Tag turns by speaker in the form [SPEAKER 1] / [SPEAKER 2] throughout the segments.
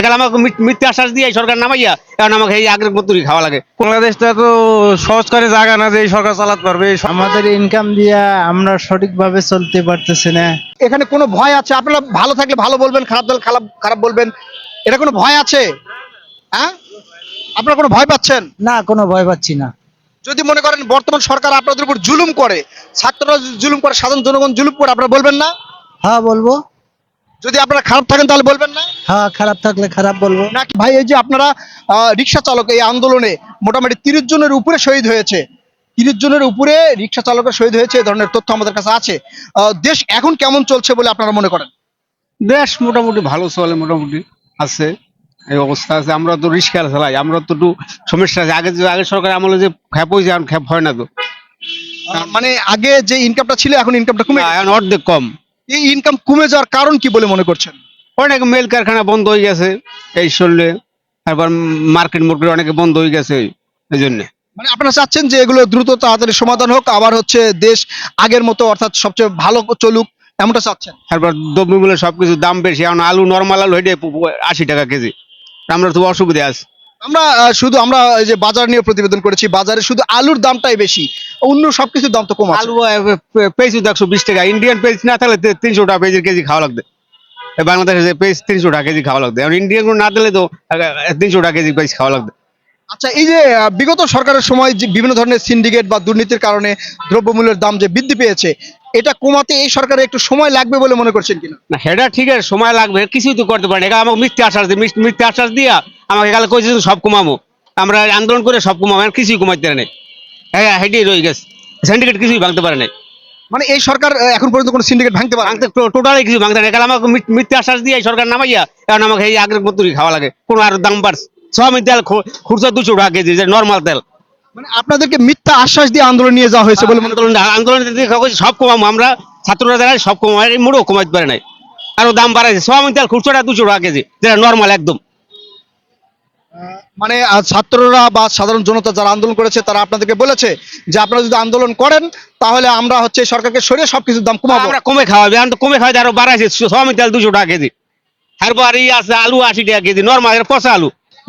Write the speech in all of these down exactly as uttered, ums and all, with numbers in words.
[SPEAKER 1] আমাকে মিথ্যে আশ্বাস দিয়ে সরকার নামাইয়া এখন আমাকে এই আগের মতোই খাওয়া লাগে।
[SPEAKER 2] বাংলাদেশটা তো সহজ করে জায়গা না যে এই সরকার চালাতে পারবে।
[SPEAKER 3] আমাদের ইনকাম দিয়া আমরা সঠিকভাবে চলতে পারতেছি না।
[SPEAKER 4] এখানে কোনো ভয় আছে? আপনারা ভালো থাকলে ভালো বলবেন, খারাপ থাকলে খারাপ খারাপ বলবেন, এটা কোনো ভয় আছে? হ্যাঁ, আপনারা কোনো ভয় পাচ্ছেন?
[SPEAKER 3] না, কোনো ভয় পাচ্ছি না।
[SPEAKER 4] যদি মনে করেন বর্তমান সরকার আপনাদের উপর জুলুম করে, ছাত্ররা যদি জুলুম করে, সাধারণ জনগণ জুলুম করে, আপনারা বলবেন না?
[SPEAKER 3] হ্যাঁ বলবো।
[SPEAKER 4] যদি আপনারা খারাপ থাকেন তাহলে বলবেন না?
[SPEAKER 3] হ্যাঁ, খারাপ থাকলে খারাপ বলবো।
[SPEAKER 4] নাকি ভাই, এই যে আপনারা রিক্সা চালক, এই আন্দোলনে মোটামুটি তিরিশ জনের উপরে শহীদ হয়েছে, তিরিশ জনের উপরে রিক্সা চালকের শহীদ হয়েছে, এই ধরনের তথ্য আমাদের কাছে আছে। আহ, দেশ এখন কেমন চলছে বলে আপনারা মনে করেন?
[SPEAKER 1] দেশ মোটামুটি ভালো চলে, মোটামুটি আছে, এই অবস্থা আছে। আমরা তো রিস্কা চালাই, আমরা তো একটু সমস্যা আছে। আগে যে আগে সরকার আমলে যে খ্যাপ হয়েছে, এখন খ্যাপ হয় না তো।
[SPEAKER 4] আহ, মানে আগে যে ইনকামটা ছিল এখন ইনকামটা কমে
[SPEAKER 1] না,
[SPEAKER 4] গেছে।
[SPEAKER 1] এখন অর্ধেক কম।
[SPEAKER 4] এই ইনকাম কমে যাওয়ার কারণ কি বলে মনে করছেন?
[SPEAKER 1] অনেক মেল কারখানা বন্ধ হয়ে গেছে এই চললে, তারপর মার্কেট মার্কেট অনেকে বন্ধ হয়ে গেছে এই জন্য।
[SPEAKER 4] মানে আপনারা চাচ্ছেন যে এগুলো দ্রুত তাড়াতাড়ি সমাধান হোক, আবার হচ্ছে দেশ আগের মতো অর্থাৎ সবচেয়ে ভালো চলুক, এমনটা চাচ্ছেন?
[SPEAKER 1] তারপর দ্রব্যমূল্যের সবকিছু দাম বেশি, এখন আলু নর্মাল আলু হেঁটে আশি টাকা কেজি। আমরা তো অসুবিধা আছে।
[SPEAKER 4] আমরা আহ, শুধু আমরা এই যে বাজার নিয়ে প্রতিবেদন করেছি, বাজারে শুধু আলুর দামটাই বেশি, অন্য সবকিছুর দাম তো কম আছে।
[SPEAKER 1] আলু পেঁয়াজ একশো বিশ টাকা, ইন্ডিয়ান পেঁয়াজ না থাকলে তিনশো টাকা পেঁয়াজের কেজি খাওয়া লাগবে। বাংলাদেশে পেঁয়াজ তিনশো টাকা কেজি খাওয়া লাগবে, এখন ইন্ডিয়ান না দিলে তো তিনশো টাকা কেজি পেঁয়াজ খাওয়া লাগবে।
[SPEAKER 4] আচ্ছা, এই যে আহ, বিগত সরকারের সময় যে বিভিন্ন ধরনের সিন্ডিকেট বা দুর্নীতির কারণে দ্রব্যমূল্যের দাম যে বৃদ্ধি পেয়েছে, এটা কমাতে এই সরকারের একটু সময় লাগবে বলে মনে করছেন কিনা?
[SPEAKER 1] না, সেটা ঠিক আছে, সময় লাগবে, কিছুই তো করতে পারে না। আমাকে মিথ্যে আশ্বাস দিয়ে মিথ্যে আশ্বাস দিয়া আমাকে কালে কইছে সব কমাবো, আমরা আন্দোলন করে সব কমাবো, এখন কিছুই কমাইতে পারে নাই। হ্যাঁ, হেঁটেই রয়ে গেছে, সিন্ডিকেট কিছুই ভাঙতে পারে নাই।
[SPEAKER 4] মানে এই সরকার আহ, এখন পর্যন্ত কোনো সিন্ডিকেট ভাঙতে পারে না।
[SPEAKER 1] ভাঙতে টোটালি কিছু ভাঙতে নাই, কারণ আমাকে মিথ্যে আশ্বাস দিয়ে সরকার নামাইয়া এখন আমাকে এই আগের মতোই খাওয়া লাগে। কোনো আর দাম বাড়ছে, সয়াবিন তেল খুচরা দুশো টাকা কেজি, যে নর্মাল তেল।
[SPEAKER 4] মানে আপনাদেরকে মিথ্যা আশ্বাস দিয়ে আন্দোলন নিয়ে যাওয়া হয়েছে বলে মনে
[SPEAKER 1] আন্দোলন আন্দোলন সব কমাবো, আমরা ছাত্ররা যারা সব কমাবো, এই মুড়ো কমাইতে পারে নাই, আরো দাম বাড়াইছে। সয়াবিন তেল খুচরা দুশো টাকা কেজি, যেটা নর্মাল একদম।
[SPEAKER 4] মানে আহ, ছাত্ররা বা সাধারণ জনতা যারা আন্দোলন করেছে তারা আপনাদেরকে বলেছে যে আপনারা যদি আন্দোলন করেন তাহলে আমরা হচ্ছে সরকারকে সরিয়ে সবকিছুর দাম কমাবো।
[SPEAKER 1] আমরা কমে খাওয়াবে, এখন তো কমে খাওয়াতে আরো বাড়াইছে, সয়াবিন তেল দুশো টাকা কেজি, তারপর এই আছে আলু আশি টাকা কেজি, নর্মাল পচা আলু।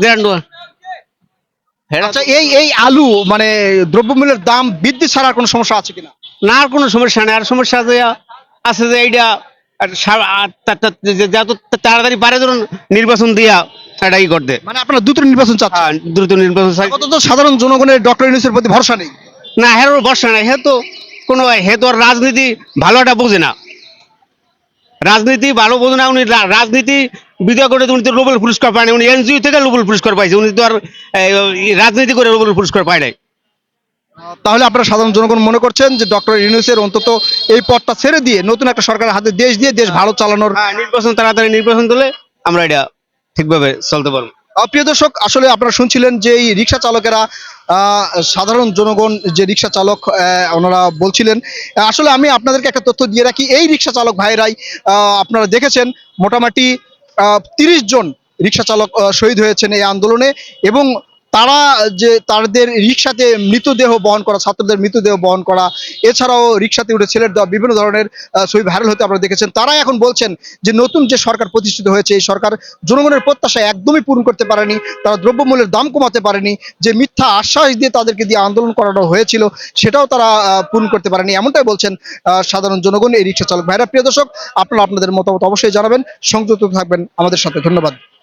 [SPEAKER 4] আচ্ছা, এই এই আলু মানে দ্রব্যমূল্যের দাম বৃদ্ধি ছাড়া আর কোনো সমস্যা আছে কিনা?
[SPEAKER 1] না, আর কোনো সমস্যা নেই। আর সমস্যা যে আছে যে এইটা আর সা- আর তা- তা- যে- যত তাড়াতাড়ি পারে ধরুন নির্বাচন দিয়া এটা ই করতে।
[SPEAKER 4] মানে আপনারা দ্রুত নির্বাচন চাচ্ছেন?
[SPEAKER 1] হ্যাঁ, দ্রুত নির্বাচন চাই।
[SPEAKER 4] আপাতত সাধারণ জনগণের ডক্টর ইউনূসের প্রতি ভরসা নেই।
[SPEAKER 1] না, হের বর্ষা নাই, হে তো কোনো হে তো আর রাজনীতি ভালোটা বোঝে না, রাজনীতি ভালো বোঝে না। উনি রা- রাজনীতি বিদ্যা করে উনি তো নোবেল পুরস্কার পায়নি, উনি এনজিও থেকে নোবেল পুরস্কার পাইছে, উনি তো আর এই, রাজনীতি করে নোবেল পুরস্কার পায় নাই।
[SPEAKER 4] আহ, তাহলে আপনারা সাধারণ জনগণ মনে করছেন যে ডক্টর ইউনূসের অন্তত এই পদটা ছেড়ে দিয়ে নতুন একটা সরকারের হাতে দেশ দিয়ে দেশ ভালো চালানোর।
[SPEAKER 1] হ্যাঁ, নির্বাচন তাড়াতাড়ি নির্বাচন দিলে আমরা এটা ঠিকভাবে চলতে পারবো।
[SPEAKER 4] আহ, প্রিয় দর্শক, আসলে আপনারা শুনছিলেন যে এই রিক্সা চালকেরা আহ, সাধারণ জনগণ যে রিক্সা চালক আহ, ওনারা বলছিলেন। আহ, আসলে আমি আপনাদেরকে একটা তথ্য দিয়ে রাখি, এই রিক্সা চালক ভাইরাই আহ, আপনারা দেখেছেন মোটামুটি তিরিশ জন রিক্সা চালক আহ, শহীদ হয়েছেন এই আন্দোলনে, এবং তারা যে তাদের রিক্সাতে মৃতদেহ বহন করা, ছাত্রদের মৃতদেহ বহন করা, এছাড়াও রিক্সাতে উঠে ছেলের দেওয়া বিভিন্ন ধরনের আহ, ছবি ভাইরাল হতে আপনারা দেখেছেন। তারাই এখন বলছেন যে নতুন যে সরকার প্রতিষ্ঠিত হয়েছে এই সরকার জনগণের প্রত্যাশা একদমই পূরণ করতে পারেনি, তারা দ্রব্যমূল্যের দাম কমাতে পারেনি, যে মিথ্যা আশ্বাস দিয়ে তাদেরকে দিয়ে আন্দোলন করানো হয়েছিল সেটাও তারা আহ, পূরণ করতে পারেনি, এমনটাই বলছেন আহ, সাধারণ জনগণ, এই রিক্সা চালক ভাইরা। প্রিয় দর্শক, আপনারা আপনাদের মতামত অবশ্যই জানাবেন, সংযুক্ত থাকবেন আমাদের সাথে। ধন্যবাদ।